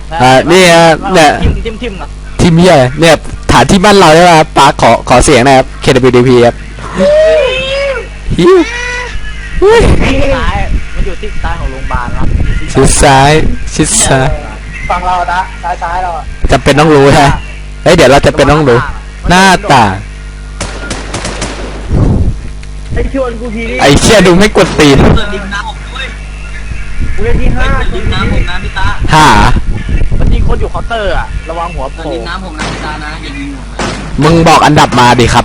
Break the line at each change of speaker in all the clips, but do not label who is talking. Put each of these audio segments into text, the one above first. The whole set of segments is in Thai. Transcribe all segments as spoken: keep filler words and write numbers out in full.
อ่านี่ฮะเนี่ย
ทิมทิมทิมอ่ะ
ทีมเฮียเนี่ยฐานที่มั่นเราใช่ไหมครับปาร์คขอขอเสียงนะครับ เค ดับเบิลยู ดี พี ครับฮิวฮิว
ซ้ายมันอยู่ที่ซ้ายของโรงพยาบาลครับ
ชิดซ้ายชิดซ้าย
ฝั่งเราตะซ้ายซ้ายเราอะ
จำเป็นต้องรู้ใช่ไหมเฮ้ยเดี๋ยวเราจะเป็นต้องรู้หน้าต่าง
ไอ้ชวนกูทีนี่
ไอ้เชี่ยดูไม่กดตีน
เปิดริมน้ำผมด้วย
กูเล่นที่
เปิ
ห้า
ดริมน้ำผมนะพี่ตา
หา
มันยิงคนอยู่เคาน์เตอร์อ่ะระวังหัว
เปิ
โผ
ด
ล่
ริมน้ำผมนะพี่ตานะอย่ายิงผมนะ
มึงบอกอันดับมาดิครับ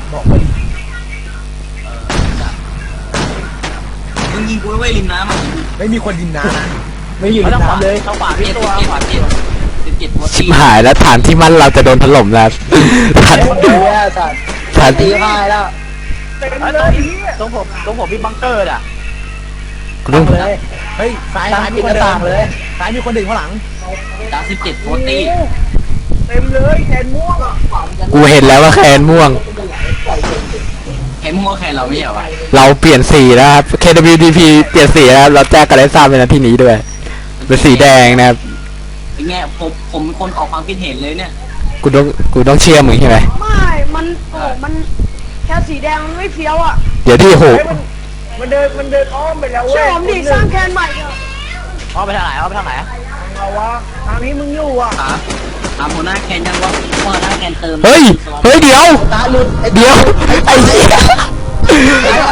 มึงยิงกูไว้ริมน้ำอ่ะ
ไม่มีคนยิงน้ำนะไม่อยู่
ไม่
ใน
ต้องขวา
น้ำเลย
ต้องขวาพี่
เจ็ด
ตัว
เจ็ด
ขวา
เจ็
พี่
ดเจ็ดเจ็ดหัว
ชิ
ตี
บหายแล้วฐานที่มั่นเราจะโดนถล่มแล้วฐาน
ดูแย่สัตว์
ฐาน
ตี
ที่
พายแล้วเต็มเลย
ตรงผมตรงผมมีบังเกอร์อ่ะ
ลุง
เลยเฮ้ยซ้ายซ้ายมีคนต่างเลยซ้ายมีคนดึงข้างหลัง
ตาสิบเจ็ดหัวตี
เต็มเลยแขนม่วง
กูเห็นแล้วว่าแคนม่วง
แขนหัวแขนเราไม่เหรอวะ
เราเปลี่ยนสีแล้วครับ เค ดับเบิลยู ดี พี เปลี่ยนสีแล้วเราแจ้งกันได้ทราบในนาทีนี้ด้วยเป็นสีแดงนะครับ
ไอ้แง่ผมผมเป็นคนออกความคิดเห็นเลยเนี่ย
กูต้องกูต้องเชื่อมึงใช่ไหม
ไม่ มันโอ้มันแค่สีแดงมันไม่เฟี้ยวอ่ะ
เดี๋ยวที่โห
มันเดินมันเดินอ้อมไปแล้วเว้
เชื่อย ผมดิสร้างแคนใหม่เถอะ
เอาไปทางไหนเอาไปทางไหน
เอาวะทางนี้มึงอยู่อ่ะ
ถามถามหัวหน้าแคนยังว่าหัวหน้าแคนเติม
เฮ้ย เฮ้ยเดี๋ยว
ตาหลุด
เดี๋ยว ไอ้เหี้ย